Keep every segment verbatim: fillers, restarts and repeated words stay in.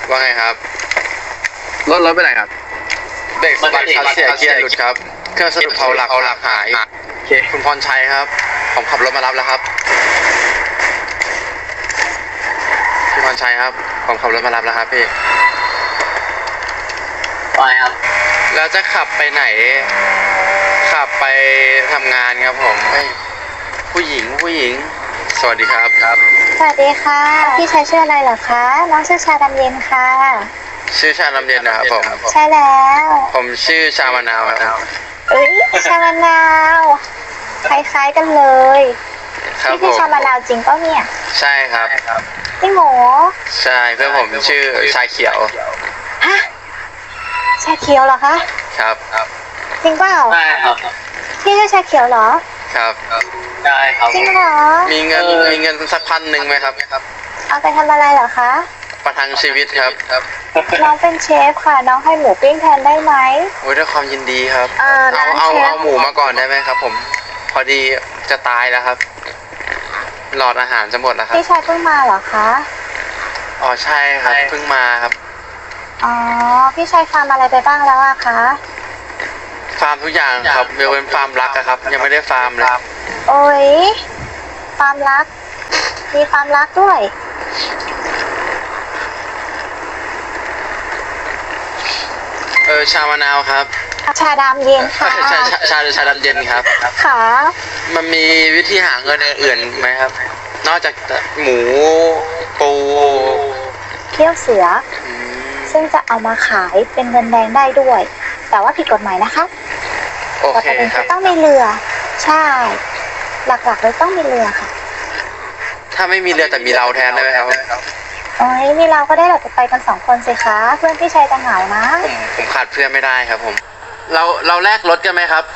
ว่าไงครับรถรถไปไหนครับเบรกสะบัดคัสเสียเกียร์หลุดครับเครื่องสะดุดเผาหลักหลักหายโอเคคุณพรชัยครับผมขับรถมารับแล้วครับพี่พรชัยครับผมขับรถมารับแล้วครับพี่ไปครับแล้วจะขับไปไหนขับไปทำงานครับผมผู้หญิงผู้หญิงสวัสดีครับครับสวัสดีค่ะพี่ชายชื่ออะไรเหรอคะน้องชื่อชาดำเย็นค่ะชื่อชาดำเย็นนะครับผมใช่แล้วผมชื่อชามะนาวครับเอ้ยชามะนาวคล้ายๆกันเลยพี่คือชามะนาวจริงป่ะเนี่ยใช่ครับจริงเหรอใช่เพื่อนผมชื่อชาเขียวฮะชาเขียวเหรอคะครับจริงเปล่าใช่ครับพี่ชื่อชาเขียวเหรอครับใช่ครับจริงเหรอมีเงินมีเงินสักพันหนึ่งไหมครับเอาไปทำอะไรเหรอคะประทังชีวิตครับน้องเป็นเชฟค่ะน้องให้หมูปิ้งแทนได้ไหมโอ้ยด้วยความยินดีครับเอาเอาเอาหมูมาก่อนได้ไหมครับผมพอดีจะตายแล้วครับหลอดอาหารจะหมดแล้วครับพี่ชายเพิ่งมาเหรอคะอ๋อใช่ครับเพิ่งมาครับอ๋อพี่ชายฟาร์มอะไรไปบ้างแล้วอะคะฟาร์มทุกอย่างครับเบลเป็นฟาร์มรักครับยังไม่ได้ฟาร์มเลยโอ้ยฟาร์มรักมีฟาร์มรักด้วยเออชามะนาวครับชาดำเย็นค่ะชาชาชาชาดำเย็นครับค่ะมันมีวิธีหาเงินอื่นๆไหมครับนอกจากหมูปูเขี้ยวเสือซึ่งจะเอามาขายเป็นเงินแดงได้ด้วยแต่ว่าผิดกฎหมายนะคะโอเคครับต้องมีเรือใช่หลักๆเลยต้องมีเรือค่ะถ้าไม่มีเรือแต่มีเราแทนได้ไหมครับโอ้ยมีเราก็ได้เราจะไปกันสองคนสิคะเพื่อนพี่ชายจะเหงานะผมผมขาดเพื่อนไม่ได้ครับผมเราเราแลกรถกันไหมครับ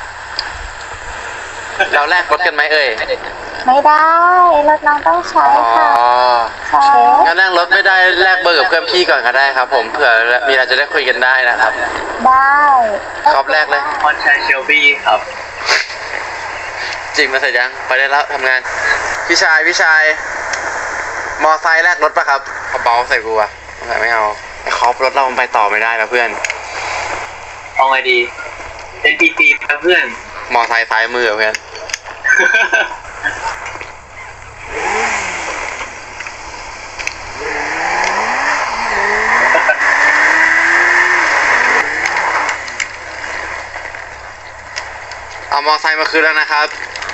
เราแลกรถกันไหมเอ่ยไม่ได้รถน้องต้องใช้ค่ะอ๋อใช่งั้นแลกรถไม่ได้แลกเบอร์กับเพื่อนพี่ก่อนก็ได้ครับผมเผื่อมีอะไรจะได้คุยกันได้นะครับได้ครับแรกเลยพรชัยเชลบี้ครับจริงมาเสร็จยังไปได้แล้วทำงานพี่ชายพี่ชายมอไซค์แลกรถปะครับเขาเบาใส่กูอะไม่เอาไอ้คอปรถเรามันไปต่อไม่ได้แล้วเพื่อนเอาไงดีเป็นปีปีเพื่อนมอไซค์ซ้ายมือเพื่อนเอามอไซค์มาคืนแล้วนะครับ